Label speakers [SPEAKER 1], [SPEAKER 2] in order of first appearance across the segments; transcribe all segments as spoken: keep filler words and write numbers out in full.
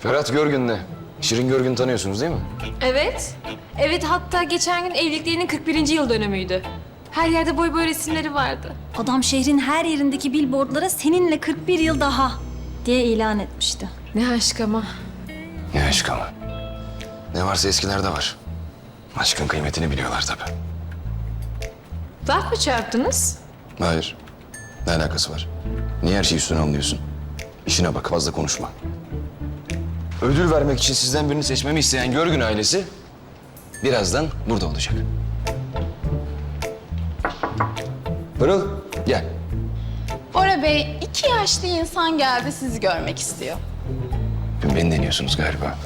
[SPEAKER 1] Ferhat Görgün'le. Şirin Görgün'ü tanıyorsunuz değil mi?
[SPEAKER 2] Evet. Evet, hatta geçen gün evliliklerinin kırk birinci yıl dönümüydü. Her yerde boy boy resimleri vardı.
[SPEAKER 3] Adam şehrin her yerindeki billboardlara seninle kırk bir yıl daha diye ilan etmişti.
[SPEAKER 2] Ne aşk ama.
[SPEAKER 1] Ne aşk ama. Ne varsa eskilerde var. Aşkın kıymetini biliyorlar tabii.
[SPEAKER 2] Laf mı çarptınız?
[SPEAKER 1] Hayır. Ne alakası var? Niye her şeyi üstüne alıyorsun? İşine bak, fazla konuşma. Ödül vermek için sizden birini seçmemi isteyen Görgün ailesi birazdan burada olacak. Pırıl, gel.
[SPEAKER 4] Bora Bey, iki yaşlı insan geldi sizi görmek istiyor.
[SPEAKER 1] Beni deniyorsunuz galiba.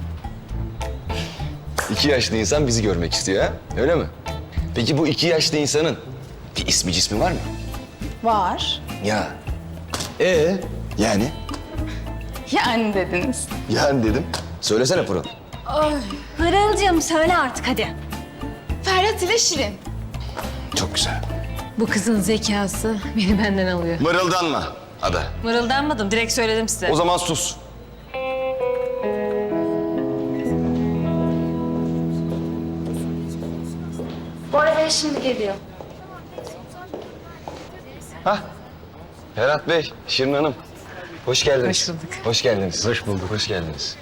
[SPEAKER 1] İki yaşlı insan bizi görmek istiyor ha? Öyle mi? Peki bu iki yaşlı insanın bir ismi cismi var mı?
[SPEAKER 4] Var.
[SPEAKER 1] Ya. Ee? Yani?
[SPEAKER 4] Yani dediniz.
[SPEAKER 1] Yani dedim. Söylesene Pırıl.
[SPEAKER 3] Pırıl'cığım söyle artık hadi.
[SPEAKER 4] Ferhat ile Şirin.
[SPEAKER 1] Çok güzel.
[SPEAKER 2] Bu kızın zekası beni benden alıyor.
[SPEAKER 1] Mırıldanma Ada.
[SPEAKER 2] Mırıldanmadım, direkt söyledim size.
[SPEAKER 1] O zaman sus.
[SPEAKER 3] Bora Bey şimdi geliyor.
[SPEAKER 1] Hah. Ferhat Bey, Şirin Hanım. Hoş geldiniz.
[SPEAKER 2] Hoş bulduk.
[SPEAKER 1] Hoş geldiniz. Hoş bulduk. Hoş geldiniz.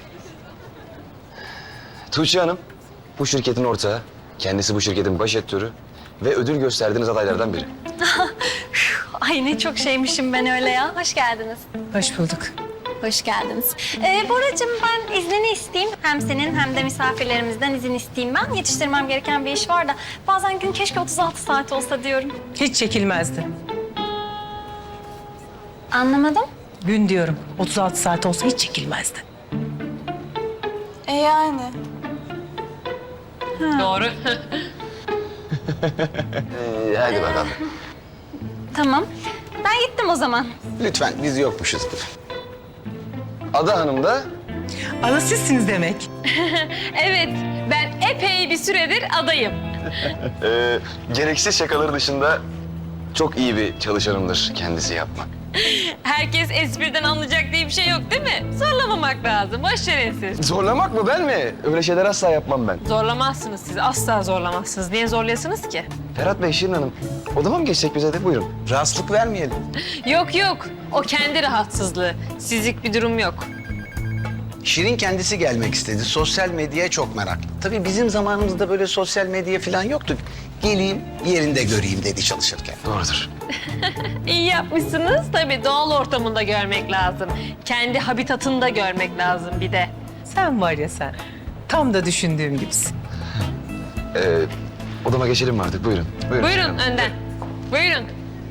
[SPEAKER 1] Tuğçe Hanım, bu şirketin ortağı. Kendisi bu şirketin baş etörü ve ödül gösterdiğiniz adaylardan biri.
[SPEAKER 3] Ay ne çok şeymişim ben öyle ya. Hoş geldiniz.
[SPEAKER 2] Hoş bulduk.
[SPEAKER 3] Hoş geldiniz. Ee, Boracığım ben iznini isteyeyim. Hem senin hem de misafirlerimizden izin isteyeyim ben. Yetiştirmem gereken bir iş var da bazen gün keşke otuz altı saat olsa diyorum.
[SPEAKER 5] Hiç çekilmezdi.
[SPEAKER 3] Anlamadım.
[SPEAKER 5] Gün diyorum. otuz altı saat olsa hiç çekilmezdi.
[SPEAKER 4] E yani.
[SPEAKER 2] Doğru.
[SPEAKER 1] Ee, hadi bakalım.
[SPEAKER 3] Tamam. Ben gittim o zaman.
[SPEAKER 1] Lütfen, biz yokmuşuzdur. Ada Hanım da
[SPEAKER 5] Ada sizsiniz demek.
[SPEAKER 2] Evet, ben epey bir süredir adayım.
[SPEAKER 1] e, gereksiz şakaları dışında çok iyi bir çalışanımdır kendisi yapmak.
[SPEAKER 2] Herkes espriden anlayacak diye bir şey yok değil mi? Zorlamamak lazım, boş verin siz.
[SPEAKER 1] Zorlamak mı, ben mi? Öyle şeyler asla yapmam ben.
[SPEAKER 2] Zorlamazsınız siz, asla zorlamazsınız. Niye zorlayasınız ki?
[SPEAKER 1] Ferhat Bey, Şirin Hanım, odama mı geçsek bize de? Buyurun. Rahatsızlık vermeyelim.
[SPEAKER 2] Yok yok, o kendi rahatsızlığı. Sizlik bir durum yok.
[SPEAKER 6] Şirin kendisi gelmek istedi. Sosyal medyaya çok meraklı. Tabii bizim zamanımızda böyle sosyal medya falan yoktu. Geleyim, yerinde göreyim dedi çalışırken.
[SPEAKER 1] Doğrudur.
[SPEAKER 2] İyi yapmışsınız. Tabii doğal ortamında görmek lazım. Kendi habitatında görmek lazım bir de.
[SPEAKER 5] Sen var ya sen. Tam da düşündüğüm gibisin.
[SPEAKER 1] Ee, odama geçelim mi artık? Buyurun. Buyurun, Şirin
[SPEAKER 2] Buyurun
[SPEAKER 1] Hanım.
[SPEAKER 2] önden. Buyurun.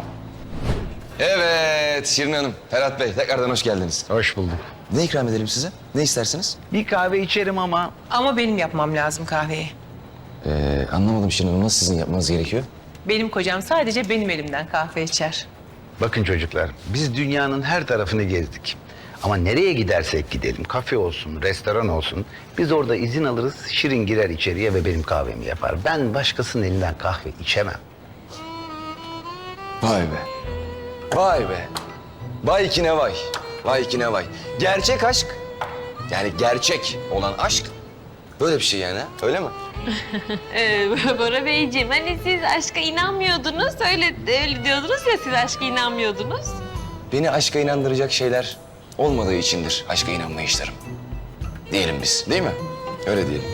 [SPEAKER 1] Evet, Şirin Hanım, Ferhat Bey, tekrardan hoş geldiniz.
[SPEAKER 6] Hoş bulduk.
[SPEAKER 1] Ne ikram edelim size? Ne istersiniz?
[SPEAKER 6] Bir kahve içerim ama
[SPEAKER 5] Ama benim yapmam lazım kahveyi.
[SPEAKER 1] Ee, anlamadım Şirin Hanım, nasıl sizin yapmanız gerekiyor?
[SPEAKER 5] Benim kocam sadece benim elimden kahve içer.
[SPEAKER 6] bakın çocuklar, biz dünyanın her tarafını gezdik. Ama nereye gidersek gidelim, kafe olsun, restoran olsun, biz orada izin alırız, Şirin girer içeriye ve benim kahvemi yapar. Ben başkasının elinden kahve içemem.
[SPEAKER 1] Vay be. Vay be. Vay ki ne vay. Vay ki ne vay. Gerçek aşk, yani gerçek olan aşk böyle bir şey yani, ha? Öyle mi?
[SPEAKER 2] Ee, Bora Beyciğim, hani siz aşka inanmıyordunuz. Öyle, öyle diyordunuz ya, siz aşka inanmıyordunuz.
[SPEAKER 1] Beni aşka inandıracak şeyler olmadığı içindir aşka inanmayışlarım. Diyelim biz, değil mi? Öyle diyelim.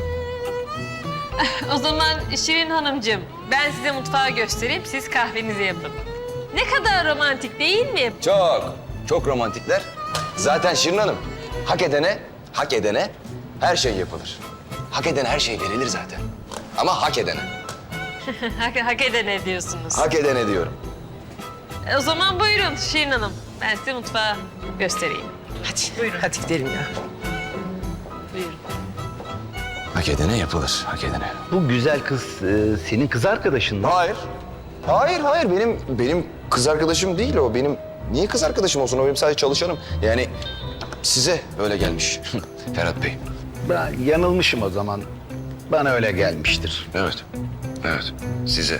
[SPEAKER 2] O zaman Şirin Hanımcığım, ben size mutfağı göstereyim, siz kahvenizi yapın. Ne kadar romantik değil mi?
[SPEAKER 1] Çok, çok romantikler. Zaten Şirin Hanım, hak edene, hak edene her şey yapılır. Hak edene her şey verilir zaten. Ama hak edene,
[SPEAKER 2] hak, hak edene diyorsunuz.
[SPEAKER 1] hak edene diyorum.
[SPEAKER 2] O zaman buyurun Şirin Hanım, ben size mutfağı göstereyim.
[SPEAKER 5] Hadi buyurun. Hadi gidelim ya.
[SPEAKER 2] Buyurun.
[SPEAKER 1] Hak edene yapılır, hak edene.
[SPEAKER 6] Bu güzel kız e, senin kız arkadaşın mı?
[SPEAKER 1] Hayır. Hayır, hayır. Benim benim kız arkadaşım değil o. Benim niye kız arkadaşım olsun? O benim sadece çalışanım. Yani size öyle gelmiş Ferhat Bey.
[SPEAKER 6] Ben yanılmışım o zaman. Bana öyle gelmiştir.
[SPEAKER 1] Evet. Evet. Size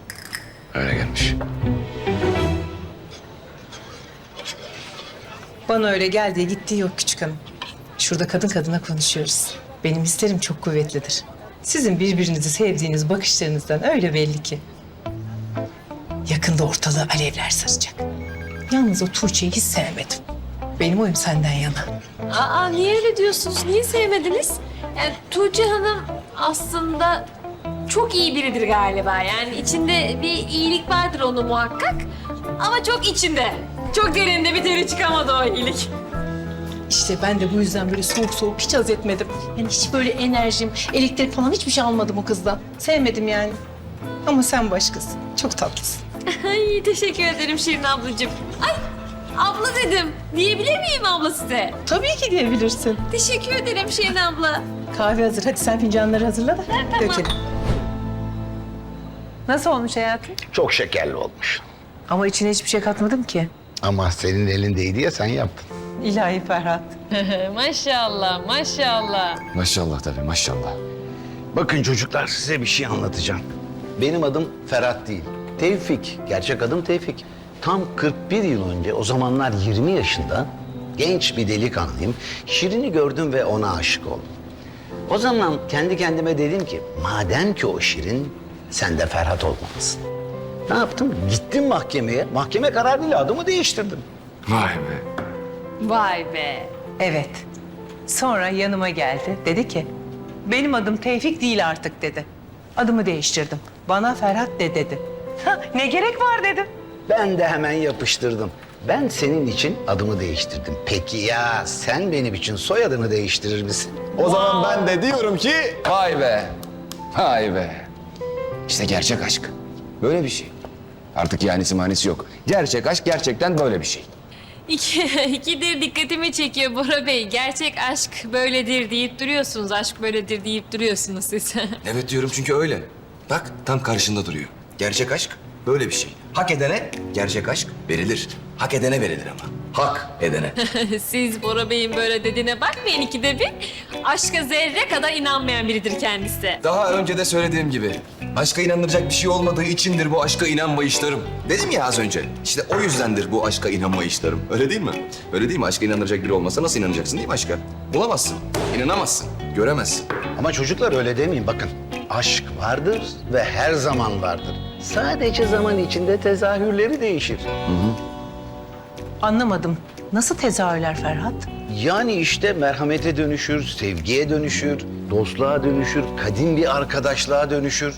[SPEAKER 1] öyle gelmiş.
[SPEAKER 5] Bana öyle geldiği gittiği yok küçük hanım. Şurada kadın kadına konuşuyoruz. Benim hislerim çok kuvvetlidir. Sizin birbirinizi sevdiğiniz bakışlarınızdan öyle belli ki. Yakında ortalığı alevler saracak. Yalnız o Tuğçe'yi hiç sevmedim. Benim oyum senden yana.
[SPEAKER 2] Aa, niye öyle diyorsunuz? Niye sevmediniz? Yani Tuğçe Hanım aslında çok iyi biridir galiba. Yani içinde bir iyilik vardır onun muhakkak. Ama çok içinde. Çok derinde bir türlü çıkamadı o iyilik.
[SPEAKER 5] İşte ben de bu yüzden böyle soğuk soğuk hiç haz etmedim. Yani hiç böyle enerjim, elektrik falan hiçbir şey almadım o kızdan. Sevmedim yani. Ama sen başkasın. Çok tatlısın.
[SPEAKER 2] Ay teşekkür ederim Şirin ablacığım. Ay abla dedim. Diyebilir miyim abla size?
[SPEAKER 5] Tabii ki diyebilirsin.
[SPEAKER 2] Teşekkür ederim Şirin abla.
[SPEAKER 5] Kahve hazır. Hadi sen fincanları hazırla da dökelim. Nasıl olmuş hayatım?
[SPEAKER 6] Çok şekerli olmuş.
[SPEAKER 5] Ama içine hiçbir şey katmadım ki.
[SPEAKER 6] Ama senin elindeydi ya sen yaptın.
[SPEAKER 5] İlahi Ferhat.
[SPEAKER 2] Maşallah maşallah.
[SPEAKER 1] Maşallah tabii maşallah.
[SPEAKER 6] Bakın çocuklar size bir şey anlatacağım. Benim adım Ferhat değil. Tevfik. Gerçek adım Tevfik. Tam kırk bir yıl önce o zamanlar yirmi yaşında genç bir delikanlıyım. Şirin'i gördüm ve ona aşık oldum. O zaman kendi kendime dedim ki madem ki o Şirin sen de Ferhat olmalısın. Ne yaptım? Gittim mahkemeye. Mahkeme kararıyla adımı değiştirdim.
[SPEAKER 1] Vay be.
[SPEAKER 2] Vay be.
[SPEAKER 5] Evet. Sonra yanıma geldi. Dedi ki, benim adım Tevfik değil artık dedi. Adımı değiştirdim. Bana Ferhat de dedi. Ha, ne gerek var dedim.
[SPEAKER 6] Ben de hemen yapıştırdım. Ben senin için adımı değiştirdim. Peki ya sen benim için soyadını değiştirir misin?
[SPEAKER 1] O zaman ben de diyorum ki vay be. Vay be. İşte gerçek aşk. Böyle bir şey. Artık yanisi manisi yok. Gerçek aşk gerçekten böyle bir şey.
[SPEAKER 2] İki, ikidir dikkatimi çekiyor Bora Bey. Gerçek aşk böyledir deyip duruyorsunuz. Aşk böyledir deyip duruyorsunuz siz.
[SPEAKER 1] Evet diyorum çünkü öyle. Bak tam karşında duruyor. Gerçek aşk böyle bir şey. Hak edene gerçek aşk verilir. Hak edene verilir ama. Hak edene.
[SPEAKER 2] Siz Bora Bey'in böyle dediğine bakmayın ikide bir. Aşka zerre kadar inanmayan biridir kendisi.
[SPEAKER 1] Daha önce de söylediğim gibi aşka inanılacak bir şey olmadığı içindir bu aşka inanmayışlarım. Dedim ya az önce. İşte o yüzdendir bu aşka inanmayışlarım. Öyle değil mi? Öyle değil mi? Aşka inanılacak biri olmasa nasıl inanacaksın değil mi aşka? Bulamazsın, inanamazsın, göremezsin.
[SPEAKER 6] Ama çocuklar öyle demeyin bakın. Aşk vardır ve her zaman vardır. Sadece zaman içinde tezahürleri değişir.
[SPEAKER 5] Anlamadım. Nasıl tezahürler Ferhat?
[SPEAKER 6] Yani işte merhamete dönüşür, sevgiye dönüşür, dostluğa dönüşür, kadim bir arkadaşlığa dönüşür.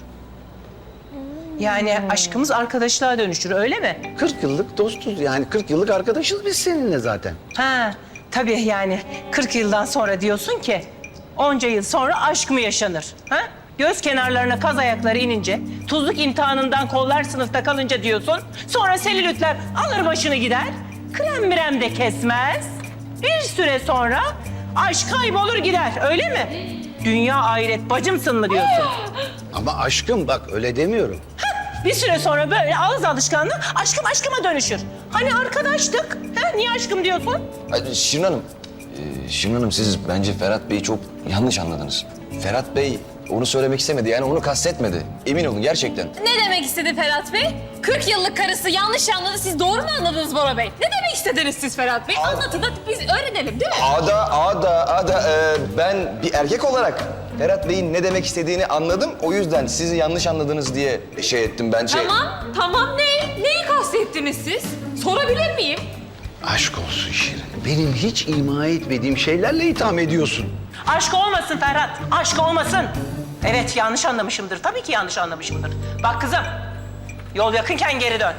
[SPEAKER 5] Yani aşkımız arkadaşlığa dönüşür öyle mi?
[SPEAKER 6] kırk yıllık dostuz yani kırk yıllık arkadaşız biz seninle zaten.
[SPEAKER 5] Ha, tabii yani kırk yıldan sonra diyorsun ki onca yıl sonra aşk mı yaşanır? Ha? Göz kenarlarına kaz ayakları inince, tuzluk imtihanından kollar sınıfta kalınca diyorsun. Sonra selülitler alır başını gider, krem mirem de kesmez. Bir süre sonra aşk kaybolur gider öyle mi? Dünya ahiret bacımsın mı diyorsun?
[SPEAKER 6] Ama aşkım bak öyle demiyorum.
[SPEAKER 5] Bir süre sonra böyle ağız alışkanlığı aşkım aşkıma dönüşür. Hani arkadaştık, ha? Niye aşkım diyorsun?
[SPEAKER 1] Ay, Şirin Hanım, e, Şirin Hanım siz bence Ferhat Bey'i çok yanlış anladınız. Ferhat Bey onu söylemek istemedi yani onu kastetmedi. Emin olun gerçekten.
[SPEAKER 2] Ne demek istedi Ferhat Bey? kırk yıllık karısı yanlış anladı. Siz doğru mu anladınız Bora Bey? Ne demek istediniz siz Ferhat Bey? Anlatın da biz öğrenelim değil mi?
[SPEAKER 1] Ada, ada, ada e, ben bir erkek olarak Ferhat Bey'in ne demek istediğini anladım. O yüzden sizi yanlış anladınız diye şey ettim ben şey...
[SPEAKER 2] Tamam, tamam ne? Neyi kastettiniz siz? Sorabilir miyim?
[SPEAKER 6] Aşk olsun Şirin. Benim hiç ima etmediğim şeylerle itham ediyorsun.
[SPEAKER 5] Aşk olmasın Ferhat, aşk olmasın. Evet yanlış anlamışımdır, tabii ki yanlış anlamışımdır. Bak kızım, yol yakınken geri dön.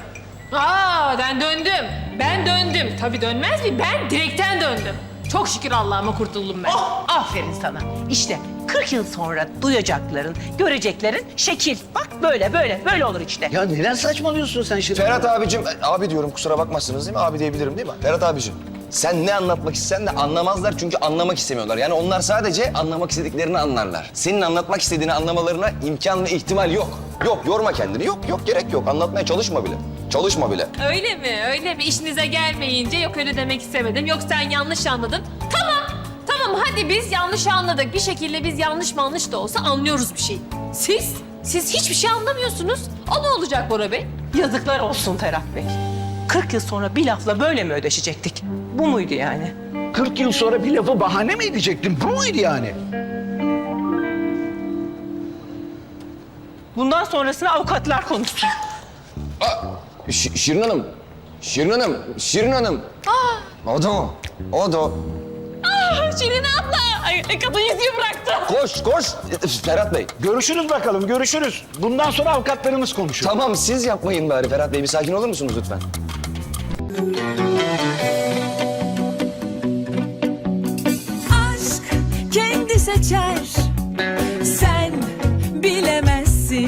[SPEAKER 2] Aa ben döndüm. Ben döndüm. Tabii dönmez mi? Ben direkten döndüm. Çok şükür Allah'ıma kurtuldum ben.
[SPEAKER 5] Oh, aferin sana. İşte kırk yıl sonra duyacakların, göreceklerin şekil. Bak böyle, böyle, böyle olur işte.
[SPEAKER 6] Ya neden saçmalıyorsun sen Şirin?
[SPEAKER 1] Ferhat abicim, abi diyorum kusura bakmazsınız değil mi? Abi diyebilirim değil mi? Ferhat abicim, sen ne anlatmak istesen de anlamazlar çünkü anlamak istemiyorlar. Yani onlar sadece anlamak istediklerini anlarlar. Senin anlatmak istediğini anlamalarına imkan ve ihtimal yok. Yok, yorma kendini. Yok, yok gerek yok. Anlatmaya çalışma bile. Çalışma bile.
[SPEAKER 2] Öyle mi? Öyle mi? İşinize gelmeyince yok öyle demek istemedim. Yok sen yanlış anladın. Tamam. Tamam hadi biz yanlış anladık. Bir şekilde biz yanlış manlış da olsa anlıyoruz bir şey. Siz? Siz hiçbir şey anlamıyorsunuz. O ne olacak Bora Bey?
[SPEAKER 5] Yazıklar olsun Ferhat Bey. kırk yıl sonra bir lafla böyle mi ödeşecektik? Bu muydu yani?
[SPEAKER 6] kırk yıl sonra bir lafı bahane mi edecektin? Bu muydu yani?
[SPEAKER 5] Bundan sonrasını avukatlar konuşsun.
[SPEAKER 1] Ş- Şirin Hanım. Şirin Hanım. Şirin Hanım. O da o. O da o.
[SPEAKER 5] Şirin abla! Ay, kadın yüzüğü bıraktı.
[SPEAKER 1] Koş koş. Ferhat Bey.
[SPEAKER 6] Görüşürüz bakalım, görüşürüz. Bundan sonra avukatlarımız konuşur.
[SPEAKER 1] Tamam siz yapmayın bari Ferhat Bey. Bir sakin olur musunuz lütfen?
[SPEAKER 7] aşk kendi seçer